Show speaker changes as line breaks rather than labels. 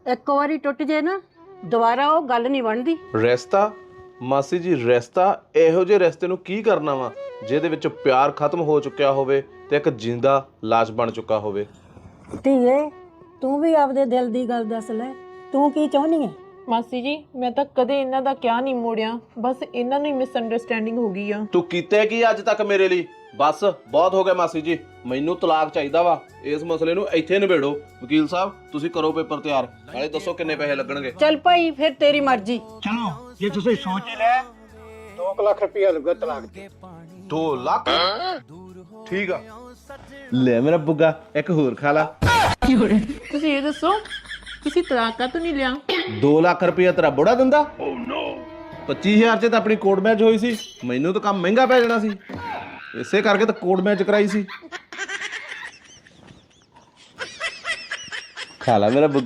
ਇੱਕ ਵਾਰੀ ਟੁੱਟ ਜੇ ਨਾ ਦੁਬਾਰਾ ਉਹ ਗੱਲ ਨਹੀਂ ਬਣਦੀ।
ਰਿਸ਼ਤਾ ਮਾਸੀ ਜੀ, ਰਿਸ਼ਤਾ ਇਹੋ ਜਿਹੇ ਰਿਸ਼ਤੇ ਨੂੰ ਕੀ ਕਰਨਾ ਵਾ ਜਿਹਦੇ ਵਿੱਚ ਪਿਆਰ ਖਤਮ ਹੋ ਚੁੱਕਿਆ ਹੋਵੇ ਤੇ ਇੱਕ ਜਿੰਦਾ ਲਾਸ਼ ਬਣ ਚੁੱਕਾ ਹੋਵੇ।
ਧੀਏ ਤੂੰ ਵੀ ਆਪਦੇ ਦਿਲ ਦੀ ਗੱਲ ਦੱਸ ਲੈ, ਤੂੰ ਕੀ ਚਾਹੁੰਦੀ ਹੈ?
ਮਾਸੀ ਜੀ ਮੈਂ ਤਾਂ ਕਦੇ ਇਹਨਾਂ ਦਾ ਕਿਆ ਨਹੀਂ ਮੋੜਿਆ, ਬਸ ਇਹਨਾਂ ਨੂੰ ਹੀ ਮਿਸਅੰਡਰਸਟੈਂਡਿੰਗ ਹੋ ਗਈ ਆ।
ਤੂੰ ਕੀਤਾ ਕੀ ਅੱਜ ਤੱਕ ਮੇਰੇ ਲਈ? ਬਸ ਬਹੁਤ ਹੋ ਗਿਆ ਮਾਸੀ ਜੀ, ਮੈਨੂੰ ਤਲਾਕ ਚਾਹੀਦਾ ਵਾ। ਇਸ ਮਸਲੇ ਨੂੰ ਇੱਥੇ ਨਿਬੇੜੋ। ਵਕੀਲ ਸਾਹਿਬ ਤੁਸੀਂ ਕਰੋ ਪੇਪਰ ਤਿਆਰ, ਨਾਲੇ ਦੱਸੋ ਕਿੰਨੇ ਪੈਸੇ ਲੱਗਣਗੇ।
ਚੱਲ ਭਾਈ ਫਿਰ ਤੇਰੀ ਮਰਜ਼ੀ।
ਚਲੋ ਜੇ ਤੁਸੀਂ ਸੋਚ ਹੀ ਲਿਆ 2 ਲੱਖ ਰੁਪਇਆ ਲੱਗੂਗਾ ਤਲਾਕ ਤੇ।
2 ਲੱਖ? ਠੀਕ ਆ, ਲੈ ਮੇਰਾ ਬੁੱਗਾ ਇੱਕ ਹੋਰ ਖਾ ਲਾ।
ਤੁਸੀਂ ਇਹ ਦੱਸੋ ਤੁਸੀਂ ਤਲਾਕ ਕਾਹਤੋਂ ਨਹੀਂ ਲਿਆ?
2 ਲੱਖ ਰੁਪਇਆ ਤੇਰਾ ਬੁੜਾ ਦਿੰਦਾ? 25,000 ਚ ਤਾਂ ਆਪਣੀ ਕੋਰਟ ਮੈਚ ਹੋਈ ਸੀ, ਮੈਨੂੰ ਤਾਂ ਕੰਮ ਮਹਿੰਗਾ ਪੈ ਜਾਣਾ ਸੀ, ਇਸੇ ਕਰਕੇ ਤਾਂ ਕੋਰਟ ਮੈਚ ਕਰਾਈ ਸੀ। ਖਾ ਲਾ ਮੇਰਾ